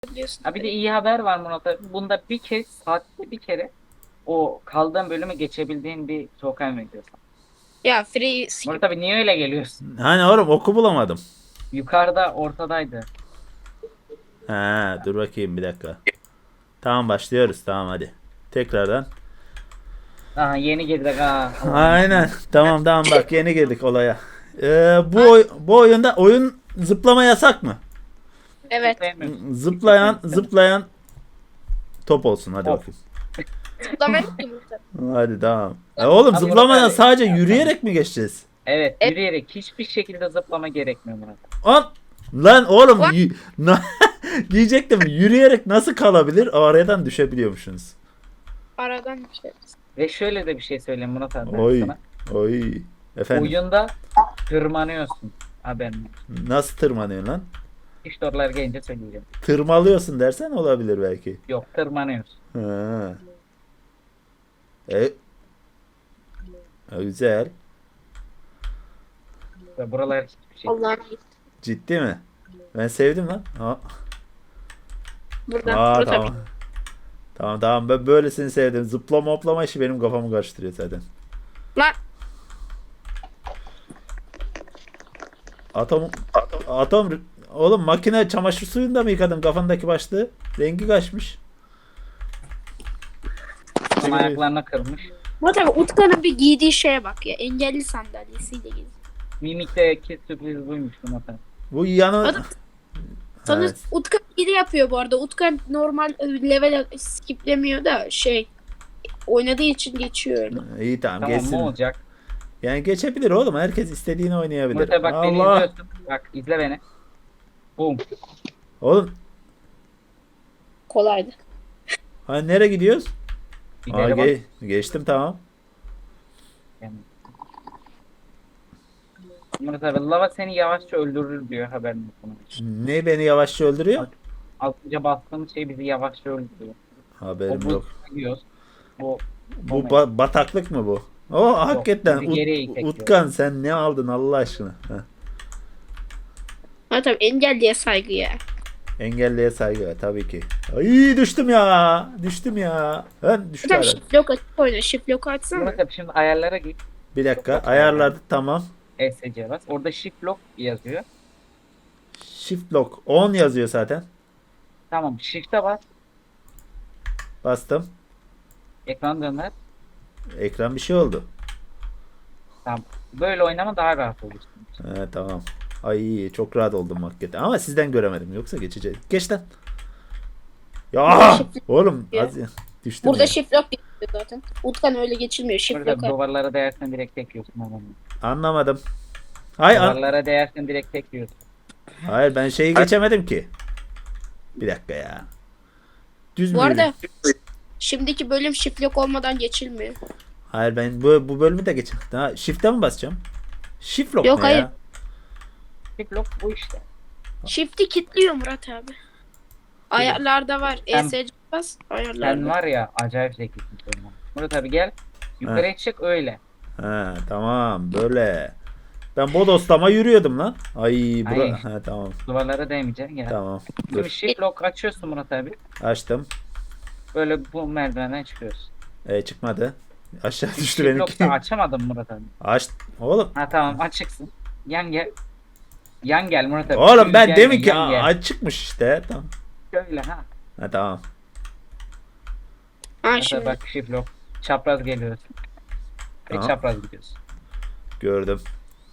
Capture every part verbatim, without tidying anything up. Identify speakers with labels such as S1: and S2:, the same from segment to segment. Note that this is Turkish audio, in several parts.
S1: Biliyorsun.
S2: Ha bir de iyi haber var Murat abi. Bunda bir kez saatte bir kere o kaldığın bölümü geçebildiğin bir token veriyor sana.
S1: Ya free skip.
S2: Murat abi niye öyle geliyorsun?
S3: Hani oğlum oku bulamadım.
S2: Yukarıda ortadaydı.
S3: Ha, dur bakayım bir dakika. Tamam başlıyoruz. Tamam hadi. Tekrardan.
S2: Aha yeni girdik ha. Allah'ım.
S3: Aynen. Tamam tamam bak yeni girdik olaya. Ee, bu oy- bu oyunda oyun zıplama yasak mı?
S1: Evet.
S2: Sevmiyorum.
S3: Zıplayan zıplayan top olsun hadi
S2: Top.
S3: bakayım.
S1: Zıplamayı unuttum.
S3: Hadi tamam. E oğlum
S2: Abi
S3: zıplamadan
S2: Murat abi-
S3: sadece yürüyerek mi geçeceğiz?
S2: Evet
S1: Evet.
S2: yürüyerek hiçbir şekilde zıplama gerekmiyor Murat abi.
S3: An lan oğlum
S1: What?
S3: y- na- diyecektim yürüyerek nasıl kalabilir? O aradan düşebiliyormuşsunuz.
S1: Aradan bir şey.
S2: Ve şöyle de bir şey söyleyeyim Murat abi ben
S3: Oy.
S2: sana.
S3: Oy. Efendim
S2: Oyunda tırmanıyorsun. Haberin olsun.
S3: nasıl tırmanıyorsun lan?
S2: İşte oralara gelince söyleyeceğim.
S3: Tırmalıyorsun dersen olabilir belki.
S2: Yok tırmanıyorsun.
S3: Ha. E, e, güzel.
S2: Ve buralar hiçbir şey.
S1: Allah'ım.
S3: Ciddi mi? Ben sevdim lan. Ha.
S1: Buradan.
S3: Aa,
S1: Burada
S3: tamam. Tamam tamam ben böylesini sevdim. Zıplama hoplama işi benim kafamı karıştırıyor zaten.
S1: Lan.
S3: Atom atom oğlum makine çamaşır suyunda mı yıkadın kafandaki başlığı? Rengi kaçmış.
S2: Son ayaklarına kırmış.
S1: Murat abi Utkan'ın bir giydiği şeye bak ya. Engelli sandalyesiyle geziyor.
S2: Mimik'teki sürpriz buymuş Murat abi.
S3: Bu yanı
S1: Adam- Sonra
S3: Evet.
S1: Utkan hile yapıyor bu arada. Utkan normal level skiplemiyor da şey oynadığı için geçiyor öyle.
S3: İyi tamam,
S2: Tamam
S3: geçsin.
S2: ne olacak?
S3: Yani geçebilir oğlum. Herkes istediğini oynayabilir.
S2: Murat abi bak beni
S3: Allah.
S2: izliyorsun. Bak izle beni. Boom.
S3: Oğlum
S1: Kolaydı.
S3: hani nereye gidiyoruz? Aa,
S2: İleri bak.
S3: ge- geçtim tamam.
S2: Yani. Murat abi lava seni yavaşça öldürür diyor haberin olsun.
S3: Ne beni yavaşça öldürüyor?
S2: Altınca bastığımız şey bizi yavaşça öldürüyor. O
S3: Haberim
S2: bu
S3: yok.
S2: gidiyoruz. Bu
S3: Bu ba- bataklık mı bu? O hakikaten
S2: bizi geriye
S3: Ut-
S2: itekiyor.
S3: Utkan sen ne aldın Allah aşkına? Heh.
S1: Murat abi engelliye saygı ya.
S3: Engelliye saygı var, tabii ki. Ay düştüm ya. Düştüm ya. Ben düştüm.
S1: Murat abi shift lock açıp oyna. Shift lock açsana.
S2: Murat abi şimdi ayarlara git.
S3: Bir dakika ayarladı tamam.
S2: E S C bas. Orada shift lock yazıyor.
S3: Shift lock on yazıyor zaten.
S2: Tamam shift'e bas.
S3: Bastım.
S2: Ekran döner.
S3: Ekran bir şey oldu.
S2: Tamam. Böyle oynama daha rahat olursun.
S3: He, tamam. Ay çok rahat oldum hakikaten. Ama sizden göremedim. Yoksa geçeceğiz. Geç lan. Ya oğlum az düştüm
S1: Burada
S3: ya.
S1: shift lock geçiyor zaten. Utkan öyle geçilmiyor. Shift
S2: Burada
S1: lock.
S2: duvarlara değersen direkt tek yiyorsun. Tamam.
S3: Anlamadım. Hay an-
S2: Duvarlara değersen direkt tek yiyorsun.
S3: Hayır ben şeyi geçemedim ki. Bir dakika ya. Düz
S1: Bu
S3: mü
S1: arada
S3: yürü-
S1: şimdiki bölüm shift lock olmadan geçilmiyor.
S3: Hayır ben bu, bu bölümü de geçemedim. Ha, shift'e mi basacağım? Shift lock
S1: Yok,
S3: ne
S1: hayır.
S3: ya?
S2: Shift lock bu işte.
S1: Shift'i kilitliyor Murat abi. Ayarlarda var.
S2: Sen-
S1: E S C bas.
S2: Sen
S1: Ayarlarda.
S2: var ya acayip zekisin. sen. Murat abi gel. Yukarıya çık öyle.
S3: Ha, tamam böyle. Ben bodoslama yürüyordum lan. Ay bura.
S2: Hayır.
S3: Ha, tamam.
S2: Duvarlara değmeyeceksin ya.
S3: Tamam.
S2: Şimdi
S3: Dur.
S2: shift lock açıyorsun Murat abi.
S3: Açtım.
S2: Böyle bu merdivenden çıkıyorsun.
S3: E, çıkmadı. Aşağı düştü
S2: Shift
S3: benimki.
S2: lock'ta açamadım Murat abi.
S3: Aç. Oğlum.
S2: Ha tamam açıksın. Yan gel. Yan gel Murat abi.
S3: Oğlum ben
S2: Gel,
S3: demin ki
S2: yan gel.
S3: açıkmış işte. Tamam.
S2: Şöyle ha.
S3: Ha tamam.
S1: Ha
S2: Mesela
S1: şimdi.
S2: bak shift lock. Çapraz geliyorsun. Ve
S3: Tamam.
S2: çapraz gidiyorsun.
S3: Gördüm.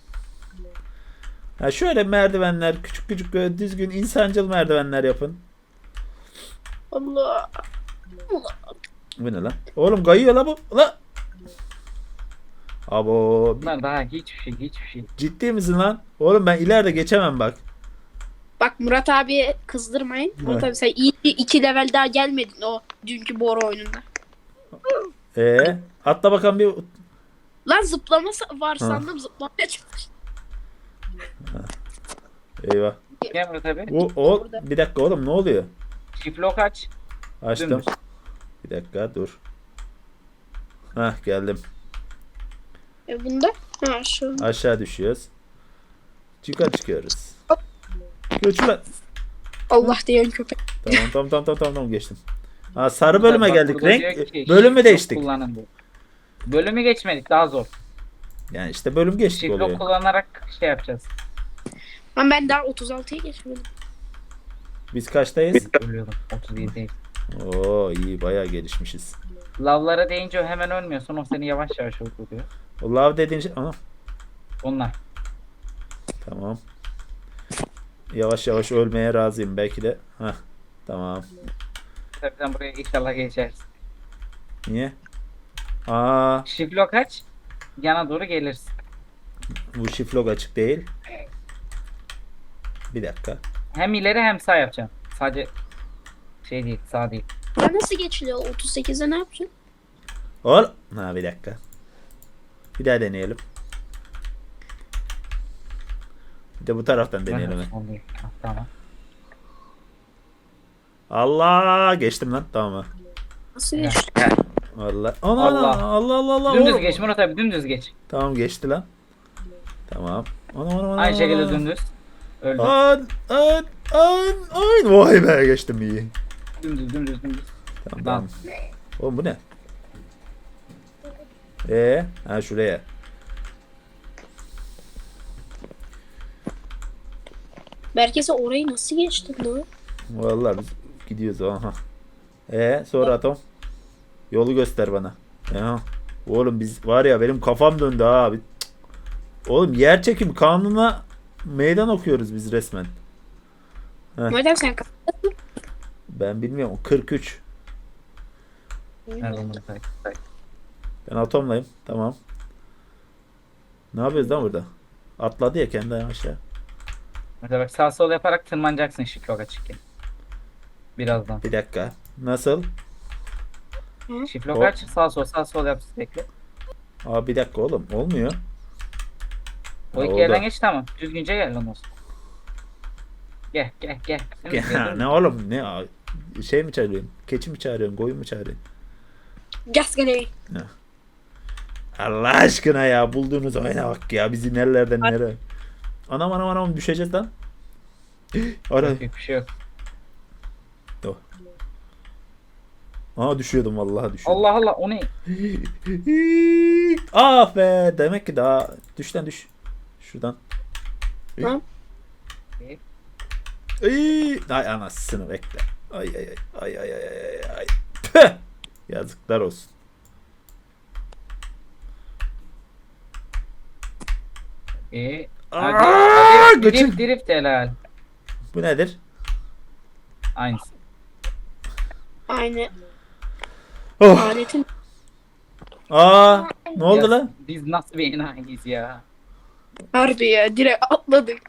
S3: Ha şöyle merdivenler küçük küçük böyle düzgün insancıl merdivenler yapın.
S1: Allah.
S3: Bu ne lan? Oğlum kayıyor la bu. La. Abo. bir-
S2: Bunlar daha hiçbir şey hiçbir şey.
S3: Ciddi misin lan? Oğlum ben ileride geçemem bak.
S1: Bak Murat abi kızdırmayın. Murat
S3: Evet.
S1: abi sen iyi bir iki level daha gelmedin o dünkü Bora oyununda.
S3: Ee, atla bakalım bir.
S1: Lan zıplama sa- var sandım zıplamaya çıkmış.
S3: Eyvah.
S2: Gel Murat abi.
S3: Bu o bir dakika oğlum ne oluyor?
S2: Shift lock aç.
S3: Açtım.
S2: Dümdüz.
S3: Bir dakika dur. Hah geldim.
S1: E bunda? Ha şu.
S3: Aşağı düşüyoruz. Çıkar çıkıyoruz. Göç lan.
S1: Allah diyen köpek.
S3: Tamam tamam tamam tamam tamam geçtim. Ha, sarı bölüme
S2: Bak,
S3: geldik.
S2: burada diyor
S3: Renk
S2: ki,
S3: bölümü
S2: shift
S3: değiştik.
S2: lock kullanın diyor. Bölümü geçmedik, daha zor.
S3: Yani işte bölüm geçtik
S2: Shift
S3: oluyor.
S2: lock kullanarak şey yapacağız.
S1: Ama ben daha otuz altıya geçmedim.
S3: Biz kaçtayız?
S2: Ölüyordum. otuz yedi değil.
S3: Oo iyi bayağı gelişmişiz.
S2: Lavlara değince o hemen ölmüyorsun. O seni yavaş yavaş öldürüyor.
S3: O love dediğin şey... Aha,
S2: Onlar.
S3: tamam. Yavaş yavaş ölmeye razıyım belki de. Hah tamam.
S2: Tabii sen buraya inşallah geçersin.
S3: Niye? Aa
S2: Shift lock aç. Yana doğru gelirsin.
S3: bu shift log açık değil. Bir dakika.
S2: Hem ileri hem sağ yapacaksın. Sadece şey değil, sağ değil.
S1: Ya nasıl geçiliyor? otuz sekize ne yapacaksın?
S3: Ol. Ha bir dakika. Bir daha deneyelim. Bir de bu taraftan deneyelim.
S2: Son değil. Ha, tamam.
S3: Allah geçtim lan tamam mı?
S1: Nasıl
S2: Ya.
S1: geçti?
S3: Allah. Ana,
S2: Allah.
S3: Allah Allah Allah Allah.
S2: Dümdüz
S3: oğlum.
S2: geç Murat abi, dümdüz geç.
S3: Tamam geçti lan. Tamam. Ana ana ana.
S2: Aynı şekilde
S3: ana.
S2: dümdüz. Öldü.
S3: An an an an. Vay be geçtim iyi.
S2: Dümdüz dümdüz dümdüz.
S3: Tamam
S2: Tamam.
S3: tamam. Oğlum bu ne? Ee, ha şuraya.
S1: Berkese orayı nasıl geçtin lan?
S3: Vallahi biz gidiyoruz aha. Ee sonra atom. Yolu göster bana. Ya. Oğlum biz var ya benim kafam döndü ha abi. Cık. Oğlum yer çekim kanununa meydan okuyoruz biz resmen.
S1: Madem sen kapattın.
S3: Ben bilmiyorum kırk üç.
S2: Nerede Murat abi?
S3: Ben atomlayım. Tamam. Ne yapıyoruz lan burada? Atladı ya kendi aşağı.
S2: Mesela bak, sağ sol yaparak tırmanacaksın shift lock açıkken. Birazdan.
S3: Bir dakika. Nasıl?
S2: Shift lock
S3: Hop.
S2: aç, sağ sol sağ sol yap sürekli.
S3: Aa bir dakika oğlum. Olmuyor.
S2: O
S3: Ha,
S2: iki
S3: oldu.
S2: yerden geç, tamam. Düzgünce gel ondan sonra. Gel gel gel. Dümdüz gel, dümdüz.
S3: Ne oğlum? Ne? a- Şey mi çağırıyorsun? Keçi mi çağırıyorsun? Koyun mu çağırıyorsun?
S1: Gaz gene.
S3: Allah aşkına ya bulduğunuz oyuna bak ya bizi nerelerden nereye. Anam anam anam düşeceğiz lan. Ara.
S2: Yok, bir şey yok.
S3: Aa düşüyordum vallahi düşüyordum.
S2: Allah Allah, o ne?
S3: Ah be demek ki daha düş lan düş. Şuradan.
S1: Tamam.
S3: Ay, ay anasını bekle. Ay ay ay ay ay ay ay ay. Tüh! Yazıklar olsun.
S2: Ee,
S3: Aa,
S2: hadi.
S3: göçün.
S2: Drift drift helal.
S3: Bu nedir?
S2: Aynısı.
S1: Aynı
S3: Oh.
S1: aletin.
S3: Aa ne oldu
S2: Ya,
S3: lan?
S2: Biz nasıl bir enayiyiz ya?
S1: Harbi ya direkt atladık.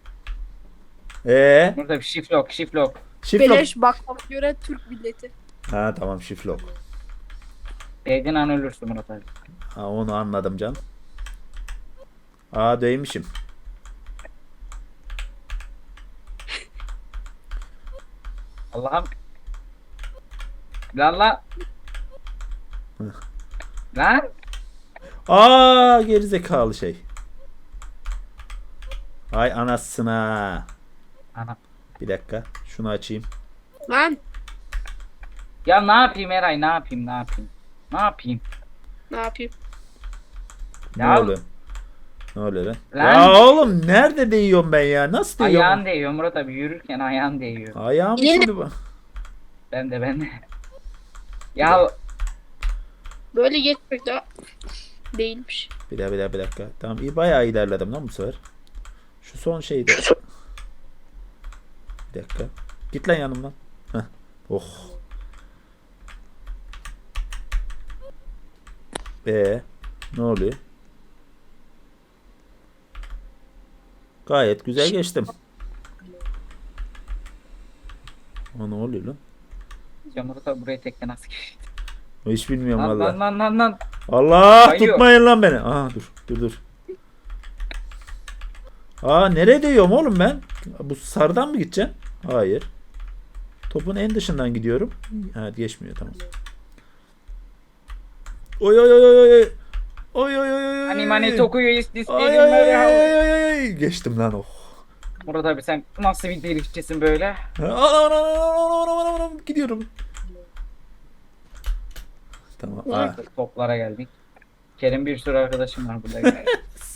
S3: Ee,
S2: Burada bir shift lock, shift lock.
S3: shift lock.
S1: Beleş baklava göre Türk milleti.
S3: Ha tamam shift lock.
S2: Değdiğin an ölürsün Murat abi.
S3: Ha onu anladım can. Aa değmişim.
S2: Allah'ım. Lan lan. Lan.
S3: Aa gerizekalı şey. Ay anasına.
S2: Ana.
S3: Bir dakika şunu açayım.
S1: Lan
S2: Ya ne yapayım Eray, ne yapayım, ne yapayım? Ne yapayım?
S1: ne yapayım?
S3: Ne
S2: Ya-
S3: oluyor? Ne oluyor lan?
S2: Lan.
S3: Ya oğlum nerede değiyorum ben ya? Nasıl değiyorum?
S2: Ayağın değiyor Murat abi, yürürken ayağın değiyor.
S3: Ayağım
S1: Elinde-
S3: şimdi bu.
S2: Ben de ben de. Ya
S1: Böyle geçmek daha değilmiş.
S3: Bir daha bir daha bir dakika. Tamam iyi bayağı ilerledim lan bu sefer. Şu son şeydi. Bir dakika. Git lan yanımdan. Heh. Oh. Ee, ne oluyor? Gayet güzel geçtim. Aa, ne oluyor lan?
S2: ya Murat abi buraya tekne nasıl geçti?
S3: Hiç bilmiyorum
S2: Lan
S3: valla.
S2: lan lan lan lan.
S3: Allah
S2: Kayıyor.
S3: tutmayın lan beni. Aa dur dur dur. Aa nereye değiyorum oğlum ben? Bu sarıdan mı gideceğim? Hayır. Topun en dışından gidiyorum. Ha geçmiyor tamam. Oy oy oy oy oy. Oy oy oy oy.
S2: Hani mani tokuyor is this
S3: Ay
S2: benim
S3: ay ay
S2: böyle
S3: ay
S2: hava.
S3: ay ay ay. Geçtim lan oh.
S2: Murat abi sen nasıl bir driftçisin böyle?
S3: Anam, anam, anam, anam, anam, anam. Gidiyorum. Tamam.
S1: Ulan.
S3: Aa.
S2: Toplara geldik. Kerem bir sürü arkadaşım var burada. Gel.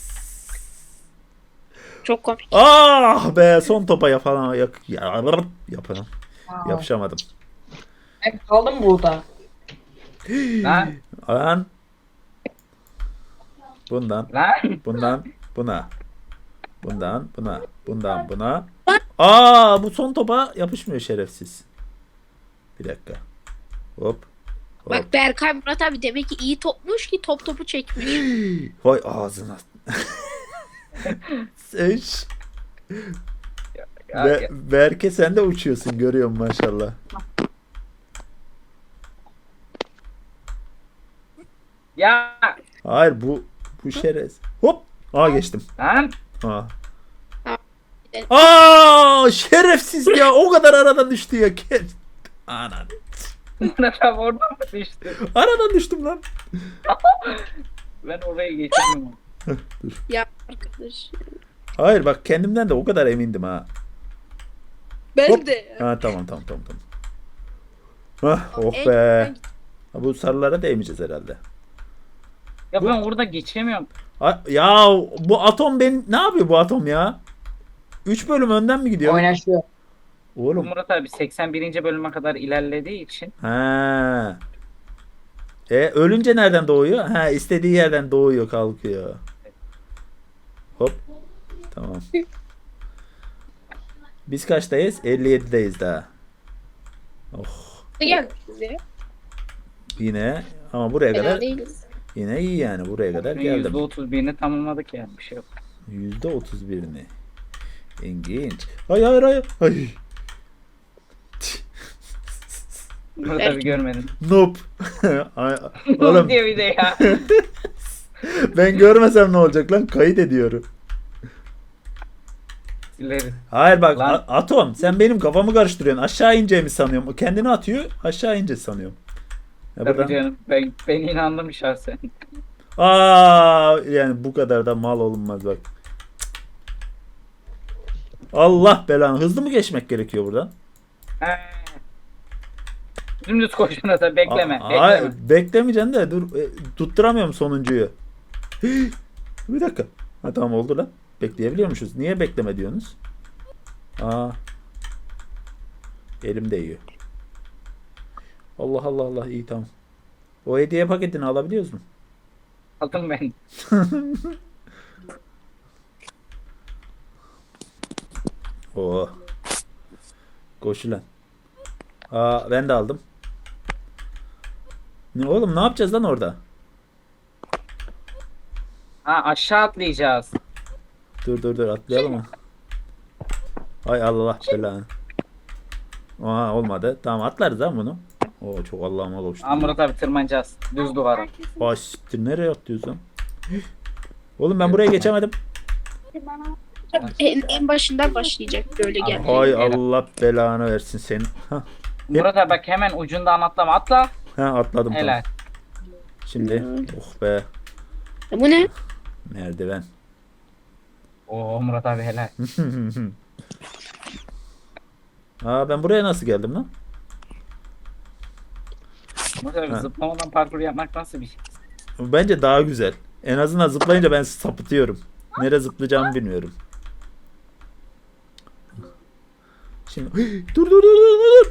S1: Çok komik.
S3: Ah be, son topa yapalım. Yak, ya, yapalım. Yapışamadım.
S4: Ben kaldım burada.
S2: Lan
S3: Lan. Bundan,
S2: lan.
S3: bundan, buna. Bundan, buna. Bundan, buna. Aa, bu son topa yapışmıyor şerefsiz. Bir dakika. Hop. Hop.
S1: Bak Berkay Murat abi demek ki iyi topmuş ki top topu çekmiş.
S3: Vay ağzına. Seç.
S2: Ya,
S3: Be
S2: ya.
S3: Berke sen de uçuyorsun, görüyorum maşallah.
S2: Ya.
S3: Hayır, bu bu şerez. Hop. Aa, geçtim.
S2: Lan.
S3: Aa. Aa, şerefsiz ya. O kadar aradan düştü ya. Ke- Anan.
S2: Murat abi oradan mı düştü?
S3: Aradan düştüm lan.
S2: Ben oraya geçemiyorum.
S3: Dur.
S1: Ya arkadaş.
S3: Hayır bak, kendimden de o kadar emindim ha.
S1: Ben
S3: Hop.
S1: de.
S3: Ha, tamam tamam tamam tamam. Hah, oh
S1: En-
S3: be. Ha, bu sarılara değmeyeceğiz herhalde.
S2: Ya ben orada geçemiyorum.
S3: Ha, ya bu atom ben ne yapıyor bu atom ya? üç bölüm önden mi gidiyor?
S4: Oynaşıyor.
S3: Oğlum.
S2: Murat abi seksen birinci bölüme kadar ilerlediği için
S3: Ha. E ölünce nereden doğuyor? Ha, istediği yerden doğuyor, kalkıyor. Hop. Tamam. Biz kaçtayız? elli yedideyiz daha. Oh.
S1: Gel size.
S3: Yine ama buraya
S1: Fena
S3: kadar
S1: değiliz.
S3: yine iyi yani, buraya kadar geldim.
S2: yüzde otuz birini tamamladık yani bir şey yok.
S3: yüzde otuz birini. İlginç. Hayır hayır hayır. Ay.
S2: Murat
S1: Belki.
S2: abi görmedin.
S3: Noob. Ay,
S2: Oğlum
S3: oğlum
S2: diyor bir de ya.
S3: ben görmesem ne olacak lan? Kayıt ediyorum.
S2: İleri.
S3: Hayır bak,
S2: Lan.
S3: A- Atom sen benim kafamı karıştırıyorsun. Aşağı ineceğimi sanıyorum. O kendini atıyor. Aşağı ince sanıyorum. Ya
S2: Tabii
S3: buradan-
S2: canım. Ben, ben inandım şahsen.
S3: Aa, yani bu kadar da mal olunmaz bak. Allah belanı. Hızlı mı geçmek gerekiyor buradan?
S2: He. Dümdüz koş Murat abi bekleme.
S3: Aa,
S2: bekleme.
S3: hayır, beklemeyeceksin de dur, e, tutturamıyorum sonuncuyu. Bir dakika. Ha, tamam oldu lan. Bekleyebiliyormuşuz. Niye bekleme diyorsunuz? Aa. Elim değiyor. Allah Allah Allah, iyi tamam. O hediye paketini alabiliyoruz mu?
S2: Aldım ben.
S3: Oo. Koş lan. Aa, ben de aldım. Ne oğlum, ne yapacağız lan orada?
S2: Ha aşağı atlayacağız.
S3: Dur dur dur, atlayalım mı? Ay Allah belanı. Aa, olmadı. Tamam, atlarız lan bunu. Oo, çok Allah'ıma koştu.
S2: Ha Murat abi tırmanacağız. Düz duvara.
S3: Ay siktir, nereye atlıyorsun? Oğlum ben buraya geçemedim.
S1: En, en başından başlayacak böyle gel.
S3: Hay Allah belanı versin senin. Hah,
S2: Murat abi bak hemen ucundan atlama atla.
S3: ha, atladım
S2: Helal.
S3: tamam. Şimdi oh be,
S1: E, Bu ne?
S3: merdiven.
S2: Oo Murat abi helal.
S3: Aa, ben buraya nasıl geldim lan?
S2: Murat abi
S3: Ha.
S2: zıplamadan parkur yapmak nasıl bir şey?
S3: Bence daha güzel. En azından zıplayınca ben sapıtıyorum. Nereye zıplayacağımı bilmiyorum. Şimdi dur dur dur dur dur.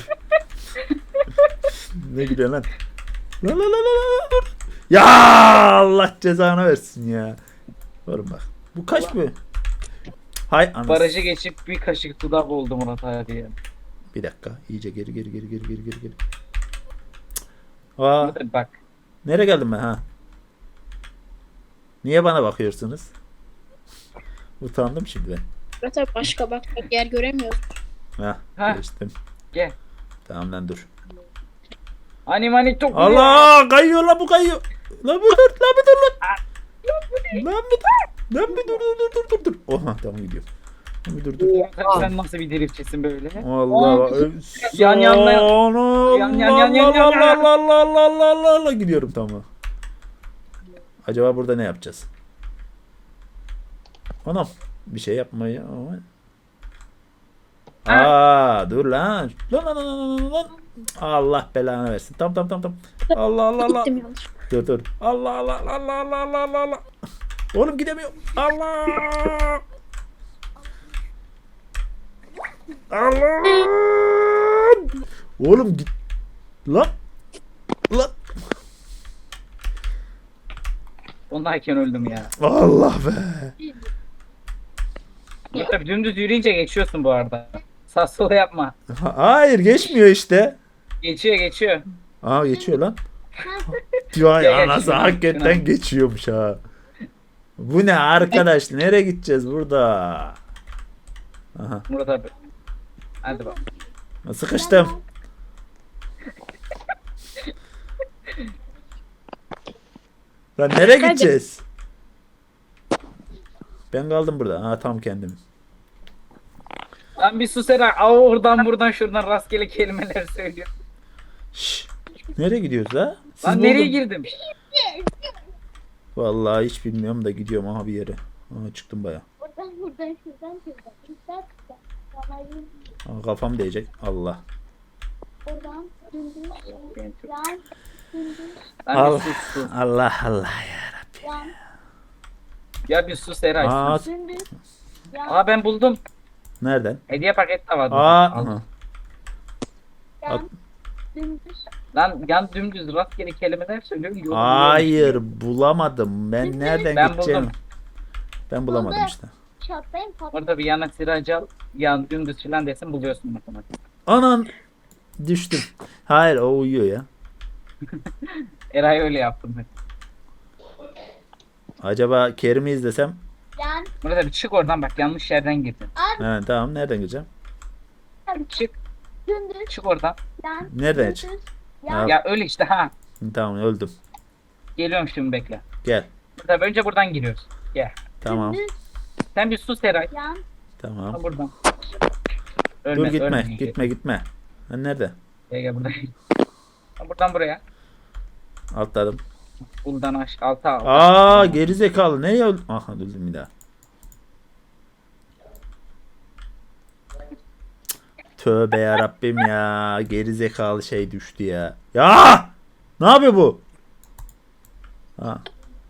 S3: Ne gidiyor lan? La la la la la dur. Ya Allah cezanı versin ya. Oğlum bak. Bu kaç bu? Hay anasını.
S2: Barajı geçip bir kaşık dudak oldu Murat abi ya.
S3: Bir dakika. İyice geri geri geri geri geri geri geri. Aa,
S2: Murat abi bak.
S3: nereye geldim ben ha? Niye bana bakıyorsunuz? Utandım şimdi ben.
S1: Murat abi başka bakacak yer göremiyoruz.
S3: Ha,
S2: Ha.
S3: geçtim.
S2: Gel.
S3: Tamam lan, dur.
S2: Ani mani çok
S3: Allah, kayıyor lan, bu kayıyor. Lan bir dur, lan bir dur lan. Lan bir dur. Lan bir dur dur dur dur dur. Oha, tamam gidiyorum. Lan bir dur dur.
S2: Murat abi sen nasıl bir driftçisin böyle?
S3: Allah.
S2: Yan yan yan.
S3: Sonra-
S2: Yan yan yan yan yan
S3: Allah
S2: yan.
S3: Allah Allah Allah Allah Allah Allah gidiyorum tamam. Acaba burada ne yapacağız? Anam, bir şey yapmayı ama Aa dur lan. Lan lan lan lan lan, lan. Allah belanı versin. Tamam tamam tamam tamam. Allah Allah Allah.
S1: Gittim yanlış.
S3: Dur dur. Allah Allah Allah Allah Allah Allah Allah. Oğlum gidemiyorum. Allah. Allah. Oğlum git. Lan. Lan.
S2: Ondayken öldüm ya.
S3: Allah be.
S2: Tabii dümdüz yürüyünce geçiyorsun bu arada. Sağ sola yapma.
S3: Ha- Hayır geçmiyor işte.
S2: Geçiyor geçiyor.
S3: Aa geçiyor lan. Vay
S2: Ya,
S3: anası
S2: geçiyor.
S3: hakikaten
S2: Şuna.
S3: geçiyormuş ha. Bu ne arkadaş? Nereye gideceğiz burada? Aha.
S2: Murat abi. Hadi bak.
S3: Sıkıştım. Lan nereye
S1: Hadi.
S3: gideceğiz? Ben kaldım burada. Ha tam kendim.
S2: Lan bir sus Eray. Aa, oradan buradan şuradan rastgele kelimeler söylüyor.
S3: Şşş. Nereye gidiyoruz ha? Siz
S2: Lan nereye
S3: buldun.
S2: girdim?
S3: Vallahi hiç bilmiyorum da gidiyorum aha bir yere. Aha çıktım baya.
S5: Oradan buradan şuradan şuradan. Şuradan şuradan. Vallahi
S3: Aha, kafam değecek. Allah.
S5: oradan dümdüz. Yan. Dümdüz.
S2: Lan
S3: Allah
S2: bir sus sus.
S3: Allah Allah ya.
S5: Yan.
S2: Ya bir sus Eray.
S3: Aa,
S2: sus.
S5: Dümdüz. Yan.
S2: Aa ben buldum.
S3: nereden?
S2: Hediye paketi de vardı.
S3: Aa,
S2: Aldım.
S3: aha.
S5: Yan. Dümdüz.
S2: Lan yan dümdüz rastgele kelimeler söylüyor. yolu buluyorum.
S3: Hayır bulamadım. Ben nereden
S2: Ben
S3: gideceğim?
S2: buldum.
S3: Ben bulamadım
S5: Buldum.
S3: işte.
S5: Çatlayın patlayın.
S2: Orada bir yana siracı al. Yan dümdüz filan desin buluyorsun matematik.
S3: Anan düştüm. Hayır o uyuyor ya.
S2: Eray öyle yaptım ben.
S3: Acaba Kerim'i izlesem?
S5: Yan.
S2: Murat abi çık oradan bak yanlış yerden girdin.
S3: He, tamam nereden gireceğim?
S2: Çık
S5: Dümdüz.
S2: çık oradan.
S5: Yan.
S3: Nereden
S5: Dümdüz.
S3: çık?
S5: Yan.
S2: Ya öyle işte ha.
S3: Tamam öldüm.
S2: Geliyorum şimdi bekle.
S3: Gel.
S2: Murat abi önce buradan giriyoruz. Gel.
S3: Tamam.
S5: Dümdüz.
S2: Sen bir sus Eray.
S5: Yan.
S3: Tamam.
S2: Ha buradan.
S3: Dur
S2: Ölme,
S3: gitme.
S2: ölme.
S3: Gitme gitme. Ha, nerede?
S2: Gel gel buradan. Ha, buradan buraya.
S3: Atladım.
S2: Buradan aş alta al.
S3: Aa geri zekalı. Neye öldüm? Aha öldüm bir daha. Tövbe ya Rabbim ya. Geri zekalı şey düştü ya. Ya! Ne yapıyor bu? Ha.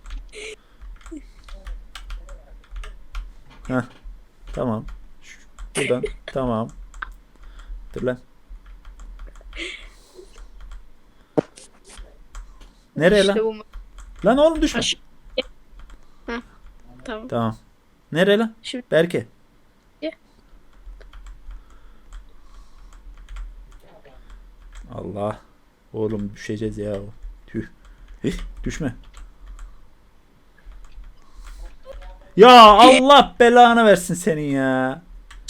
S3: Heh. Tamam. Şu- Buradan. Tamam. Dur lan. Nereye
S1: İşte
S3: lan?
S1: bu.
S3: Lan oğlum düşme.
S1: Aş- Heh, tamam.
S3: Tamam. Nereye lan?
S1: Şimdi-
S3: Berke.
S1: Gel.
S3: Allah. Oğlum düşeceğiz ya. Tüh. Hih, düşme. Ya Allah belanı versin senin ya.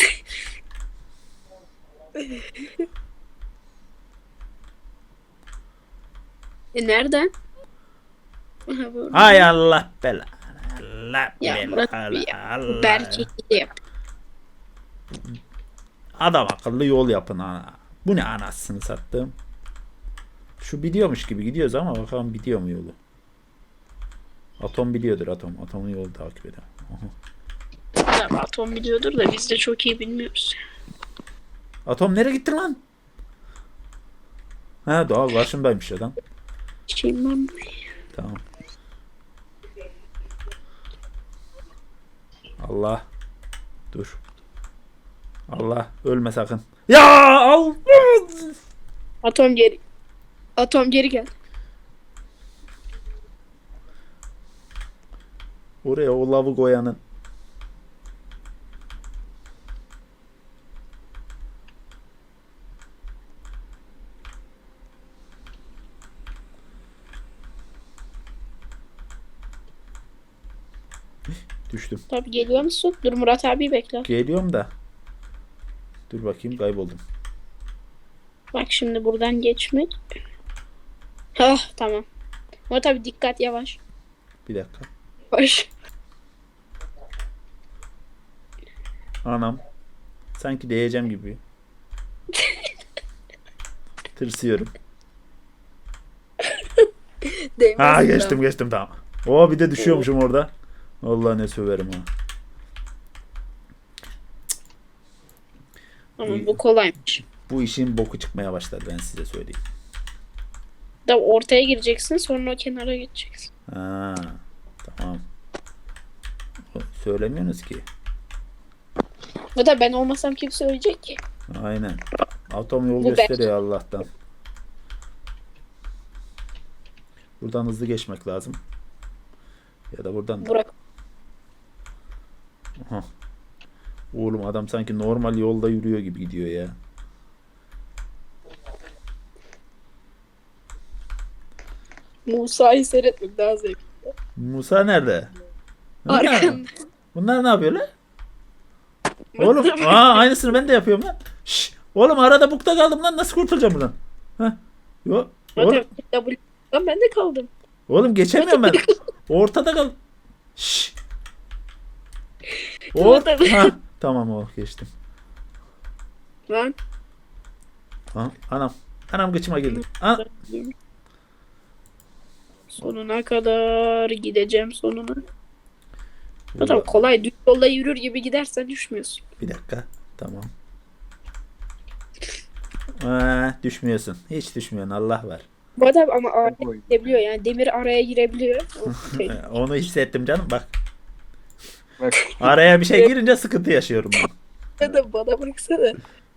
S1: E nereden? Aha, bu.
S3: Hay Allah belanı. Allah
S1: Ya Murat
S3: belanı.
S1: abi ya.
S3: Allah.
S1: Berke yap.
S3: Adam akıllı yol yapın ana. Bu ne anasını sattım. Şu biliyormuş gibi gidiyoruz ama bakalım biliyor mu yolu. Atom biliyordur atom. Atomun yolu takip eder. Aha.
S1: Tabii atom biliyordur da biz de çok iyi bilmiyoruz.
S3: Atom nereye gitti lan? Ha doğal karşımdaymış adam.
S1: Şeyim ben.
S3: Tamam. Allah. Dur. Allah ölme sakın. Ya al.
S1: Atom geri. Atom geri gel.
S3: Oraya o lavı koyanın. Düştüm.
S1: Tabii geliyor musun? Dur Murat abi bekle.
S3: Geliyorum da. Dur bakayım kayboldum.
S1: Bak şimdi buradan geçmek. Hah tamam. Murat abi dikkat yavaş.
S3: Bir dakika.
S1: Yavaş.
S3: Anam. Sanki değeceğim gibi. Tırsıyorum.
S1: Değmez
S3: Ha
S1: mi
S3: geçtim geçtim tamam. Oo bir de düşüyormuşum orada. Allah ne söverim ha.
S1: Ama bu kolaymış.
S3: Bu işin boku çıkmaya başladı, ben size söyleyeyim.
S1: Da ortaya gireceksin, sonra o kenara geçeceksin.
S3: Ha, tamam. Söylemiyorsunuz ki.
S1: Bu da ben olmasam kim söyleyecek ki?
S3: Aynen. Atom yol
S1: Bu
S3: gösteriyor Allah'tan. Buradan hızlı geçmek lazım. Ya da buradan da.
S1: Burak.
S3: Aha. Oğlum adam sanki normal yolda yürüyor gibi gidiyor ya.
S1: Musa'yı seyretmek daha zevkli.
S3: Musa nerede? Bunlar,
S1: Arkanda.
S3: bunlar ne yapıyor lan? Oğlum aa, aynısını ben de yapıyorum lan. Şş, oğlum arada bukta kaldım lan, nasıl kurtulacağım buradan? Heh. Yo, oğlum,
S1: W. Lan ben de kaldım.
S3: oğlum geçemiyorum ben. Ortada kal. Şş. Or
S1: Ortada.
S3: ha, tamam o geçtim.
S1: Lan.
S3: Ha, anam. Anam gıçıma girdi. An
S1: Sonuna kadar gideceğim sonuna. Zaten kolay. Düz yolda yürür gibi gidersen düşmüyorsun.
S3: Bir dakika. Tamam. Aa, düşmüyorsun. Hiç düşmüyorsun. Allah var.
S1: Bu adam ama araya girebiliyor. Yani demir araya girebiliyor. O şey.
S3: Ee, Onu hissettim canım. Bak.
S2: Bak.
S3: Araya bir şey girince sıkıntı yaşıyorum ben.
S1: Ya da bana baksana.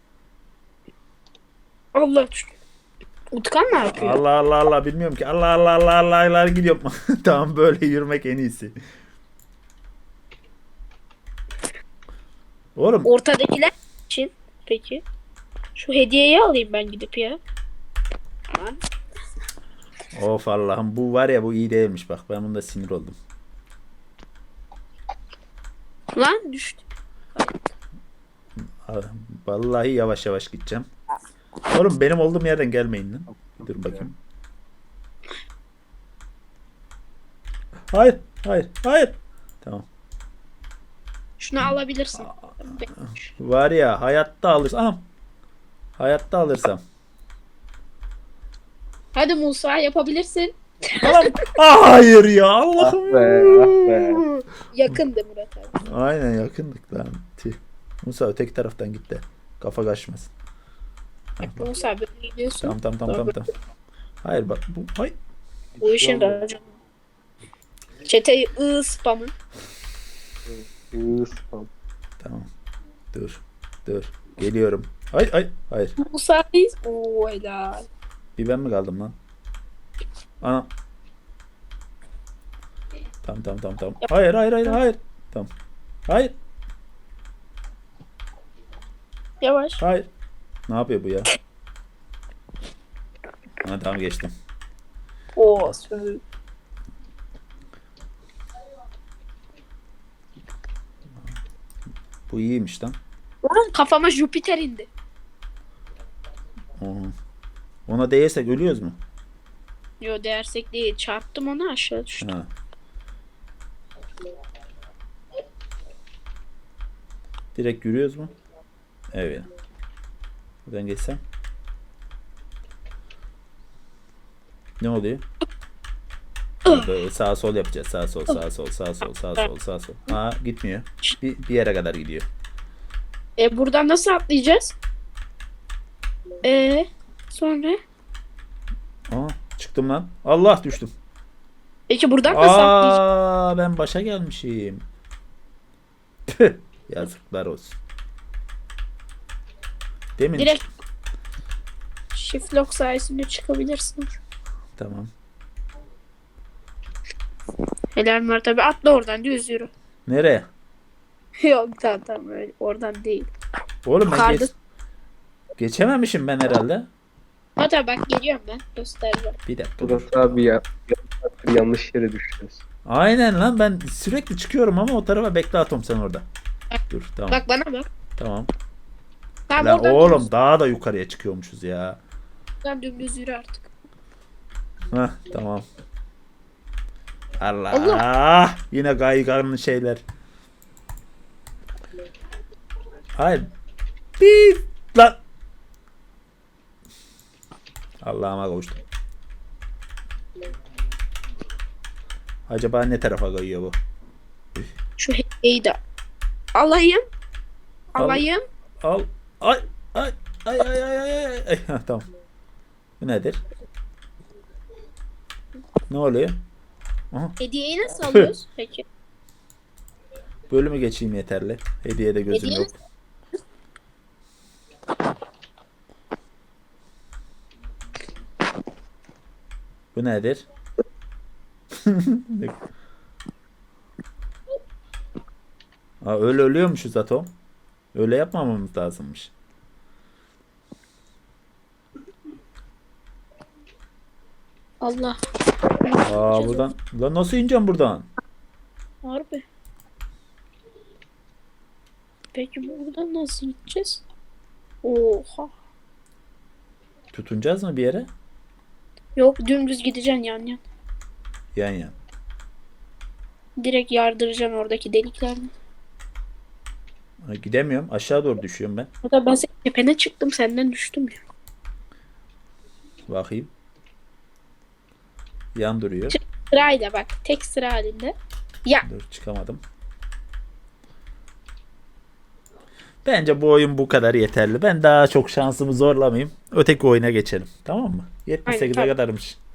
S1: Allah düştü. Utkan ne yapıyor?
S3: Allah Allah Allah bilmiyorum ki. Allah Allah Allah Allah Allah gidiyorum. Tamam, böyle yürümek en iyisi. Oğlum
S1: Ortadakiler için peki. Şu hediyeyi alayım ben gidip ya. Lan.
S3: of Allah'ım, bu var ya, bu iyi değilmiş bak, ben bunda sinir oldum.
S1: Lan düştü.
S3: Vallahi yavaş yavaş gideceğim. Oğlum benim olduğum yerden gelmeyin lan. Dur bakayım. Hayır, hayır, hayır. Tamam.
S1: Şunu alabilirsin.
S3: Var ya, hayatta alırsam. Anam. Hayatta alırsam.
S1: Hadi Musa yapabilirsin.
S3: Tamam. Ah, hayır ya, Allah'ım.
S2: Ah be, ah be.
S1: Yakındı Murat abi.
S3: Aynen, yakındık lan. Tüh. Musa öteki taraftan git de. Kafa kaçmasın.
S1: Musa böyle gidiyorsun.
S3: Tamam tamam tamam tamam. tamam. Hayır bak bu. Hayır.
S1: Bu işin raconu. Çeteyi ı spamı.
S2: Iı, spam.
S3: Tamam. Dur. Dur. Geliyorum. Ay ay hayır.
S1: Musa'yız. Oo helal.
S3: Bir ben mi kaldım lan? Ana. Tamam tamam tamam tamam. Hayır hayır hayır hayır. Tamam. Hayır.
S1: Yavaş.
S3: Hayır. Ne yapıyor bu ya? Ha, tamam geçtim.
S1: Oo sür.
S3: Bu iyiymiş lan.
S1: Lan kafama Jüpiter indi.
S3: Oha. Ona değersek ölüyoruz mu?
S1: Yo dersek değil. Çarptım onu aşağı düştü.
S3: Ha. Direkt yürüyoruz mu? Evet. Buradan geçsem. Ne oluyor? Böyle sağa sol yapacağız. Sağ sol, sağ sol, sağ sol, sağ sol, sağ sol. Ha, gitmiyor. Bir, bir yere kadar gidiyor.
S1: E buradan nasıl atlayacağız? E sonra?
S3: Aa, çıktım lan. Allah, düştüm.
S1: Peki buradan nasıl atlayacağız?
S3: Aa, ben başa gelmişim. Tüh, yazıklar olsun. Demin.
S1: Direkt shift lock sayesinde çıkabilirsin.
S3: Tamam.
S1: Helal Murat abi atla oradan düz yürü.
S3: Nereye?
S1: Yok tamam tamam öyle oradan değil.
S3: Oğlum ben
S1: Yukarıda.
S3: geç... geçememişim ben herhalde.
S1: Murat abi bak geliyorum ben göstereceğim.
S3: Bir dakika dur.
S6: Murat abi ya yanlış yere düştünüz.
S3: Aynen lan, ben sürekli çıkıyorum ama o tarafa. Bekle Atom, sen orada. Dur tamam.
S1: Bak bana bak.
S3: Tamam.
S1: Tamam
S3: Lan
S1: oradan
S3: oğlum
S1: dümdüz,
S3: daha da yukarıya çıkıyormuşuz ya.
S1: oradan dümdüz yürü artık.
S3: Heh, tamam. Allah.
S1: Allah.
S3: Yine kayganlı şeyler. Hayır. Bir lan. Allah'ıma kavuştum. Acaba ne tarafa kayıyor bu?
S1: Şu hediyeyi de alayım.
S3: Al.
S1: Alayım.
S3: Al. Ay ay ay ay ay ay ay. ay. Ha, tamam. Bu nedir? Ne oluyor? Aha.
S1: Hediyeyi nasıl alıyoruz peki?
S3: Bölümü geçeyim yeterli. Hediyede gözüm
S1: Hediye
S3: yok. Bu nedir? Aa, öyle ölüyormuşuz Atom. Öyle yapmamamız lazımmış.
S1: Allah.
S3: Aa buradan. Lan nasıl ineceğim buradan?
S1: Harbi. Peki buradan nasıl gideceğiz? Oha.
S3: Tutunacağız mı bir yere?
S1: Yok dümdüz gideceksin yan yan.
S3: Yan yan.
S1: Direkt yardıracaksın oradaki deliklerden.
S3: Ha, gidemiyorum. Aşağı doğru düşüyorum ben.
S1: Hatta ben senin tepene çıktım senden düştüm ya.
S3: Bakayım. Yan duruyor.
S1: Sırayla bak. Tek sıra halinde. Ya.
S3: Dur çıkamadım. Bence bu oyun bu kadar yeterli. Ben daha çok şansımı zorlamayayım. Öteki oyuna geçelim. Tamam mı? yetmiş sekize
S1: Aynen,
S3: kadarmış.